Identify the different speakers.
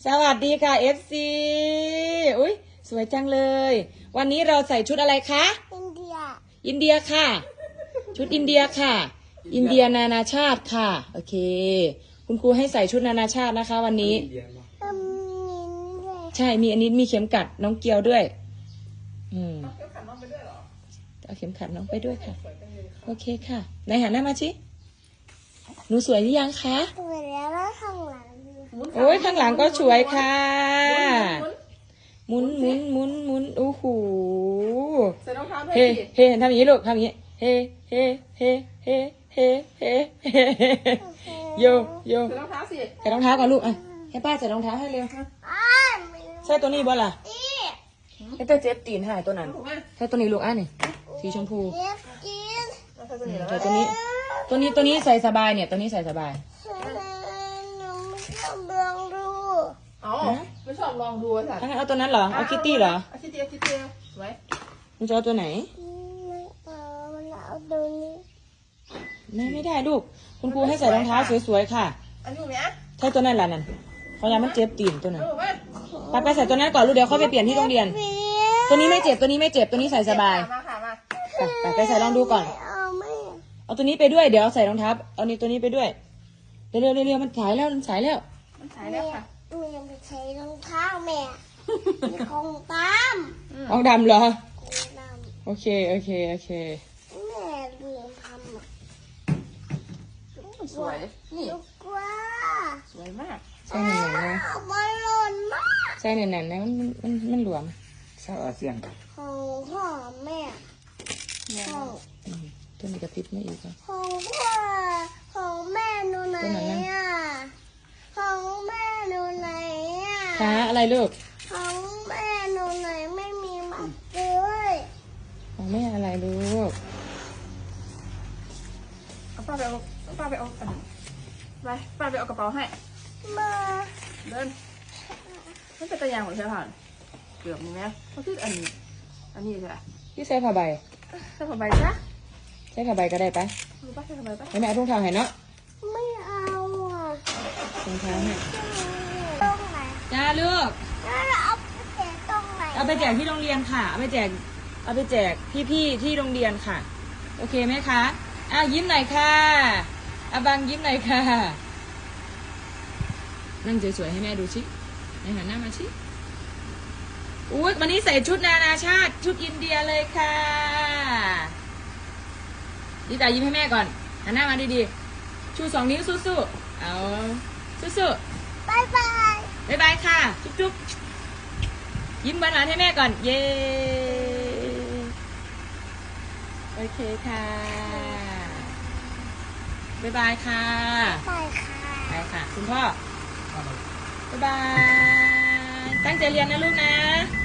Speaker 1: สวัสดีค่ะ FC อุ้ยสวยจังเลย วันนี้เราใส่ชุดอะไรคะ
Speaker 2: อินเดีย
Speaker 1: อินเดียค่ะ ชุดอินเดียค่ะ อินเดียนานาชาติค่ะ โอเค คุณครูให้ใส่ชุดนานาชาตินะคะ วันนี้
Speaker 2: มีด้วย
Speaker 1: ใช่ มีอันนี้มีเข็มกัดน้องเกียวด้วย เอาเข็มขัดน้องไปด้วยค่ะ โอเคค่ะไหนหันหน้ามาชิหนูสวยหรือยังคะ
Speaker 2: สวยแล้วข้างหลัง
Speaker 1: โอ้ยข้างหลังก็สวยค่ะหมุนหมุนหมุนหมุนโอ้โห
Speaker 3: ใส่รองเท้าด้วย
Speaker 1: เฮ้
Speaker 3: สิ
Speaker 1: เฮ้ทำอย่างนี้ลูกทำอย่างนี้เฮ้เฮ้เฮ้เฮ้เฮ้เฮ้โยโย
Speaker 3: ใส่รองเท้าสิ
Speaker 1: ใส่รองเท้าก่อนลูกอ่ะให้ป้าใส่รองเท้าให้เร็ว
Speaker 2: ไม่
Speaker 1: ใส่ตัวนี้บ่ล่ะ
Speaker 2: ดี
Speaker 1: ให้ตัวเจ็บตีนหายตัวนั้น
Speaker 3: ถูกไหม
Speaker 1: ใส่ตัวนี้ลูกอ่ะนี่สีชมพู
Speaker 2: เล็บกิน
Speaker 3: ใส่ตัวนี้แล้ว
Speaker 1: ใส่ตัวนี้ตัวนี้ใส่สบายเนี่ยตัวนี้ใส่สบาย
Speaker 2: หนูไม่ชอบลองดู
Speaker 3: อ๋อไม่ชอบลองดูไอ้สัตว์
Speaker 1: ถ้างั้นเอาตัวนั้นเหรอเอาคิตตี้เหรอ
Speaker 3: เอาคิตตี้เอาคิตตี้ไว้
Speaker 1: มึงจะเอาตัวไหน
Speaker 2: ไม่เอามันเอาตัวนี้
Speaker 1: ไม่ได้ลูกคุณครูให้ใส่รองเท้าสวยๆค่ะ
Speaker 3: อันนี้ไหม
Speaker 1: ใช่ตัวนั้นแหละนั่นเขายามันเจ็บตีนตัวนั้น
Speaker 3: ถูกไหม
Speaker 1: ไปใส่ตัวนั้นก่อนลูกเดี๋ยวเขาไปเปลี่ยนที่โรงเรียน ตัวนี้ไม่เจ็บตัวนี้ไม่เจ็บตัวนี้ใส่สบาย
Speaker 3: มาค่ะมา
Speaker 1: ไปใส่ลองดูก่อน
Speaker 2: ไม่
Speaker 1: เอาตัวนี้ไปด้วยเดี๋ยวเอาใส่รองเท้าเอานี่ตัวนี้ไปด้วยเร็วๆเร็วๆมันสายแล้วมันสายแล้ว
Speaker 3: มันถ่ายแล้วค่ะ
Speaker 2: แม่ไปใช้รองเท้าแม่มีของตาม
Speaker 1: ออกดำเหรอ
Speaker 2: ของตาม
Speaker 1: โอเค
Speaker 2: แม่ลืมทำอ่ะ
Speaker 3: สวยนี่
Speaker 2: ลูกกว่า
Speaker 3: สวยมาก
Speaker 1: ใส่แน่นๆนะ
Speaker 2: มันหล่นมาก
Speaker 1: ใส่แน่นๆนะมันหลวม
Speaker 4: เศร้าอาเซียน
Speaker 2: ของพ่อแม่ของ
Speaker 1: ตัวนี้กระพริบไม่อีกแล้ว
Speaker 2: ของพ่อของแม่หนูไหน
Speaker 1: ตัวไหนนะ
Speaker 2: อ่ะของแม่หนูไหนอ่ะ
Speaker 1: ขาอะไรลูก
Speaker 2: ของแม่หนูไหนไม่มีมัดเลย
Speaker 1: ของแม่อะไรลูก
Speaker 3: เอาป้าไปเอาอันนี้ไปป้าไปเอากระเป๋าให้
Speaker 2: มา
Speaker 3: เดินมันเป็นตะยางของเชือกผ่านเกือบมีไหมเขาคืออันนี้ใช่ไหม
Speaker 1: พี่ใส่ผ้าใบ
Speaker 3: ใส่ผ้าใบจ้ะ
Speaker 1: ใส่ผ้าใบก็ได้ปะ
Speaker 3: รู้ป่ะใส่ผ้าใบป่ะ
Speaker 1: ให้แม่เอาถุงเท้าให้เนาะ
Speaker 2: ไม่เอาอ่ะ
Speaker 1: ถุงเท้าให้
Speaker 2: ตรงไหน
Speaker 1: จ้าลูก
Speaker 2: แล้วเราเอาไปแจกตรงไหน
Speaker 1: เอาไปแจกที่โรงเรียนค่ะ เอาไปแจกพี่ๆที่โรงเรียนค่ะ โอเคไหมคะยิ้มหน่อยค่ะบังยิ้มหน่อยค่ะ นั่งสวยๆให้แม่ดูชิในหันหน้ามาชิอุ๊ยวันนี้ใส่ชุดนานาชาติ ชุดอินเดียเลยค่ะดีตายิ้มให้แม่ก่อนหันหน้ามาดีๆชู2 นิ้วสู้ๆเอาสู้ๆ
Speaker 2: บายบาย
Speaker 1: บ๊ายบายค่ะ จุ๊บๆยิ้มหวานๆให้แม่ก่อน เย้ โอเคค่ะ บ๊ายบายค่ะ
Speaker 2: บายค่ะ
Speaker 1: ไปค่ะ คุณพ่อ บ๊ายบาย ตั้งใจเรียนนะลูกนะ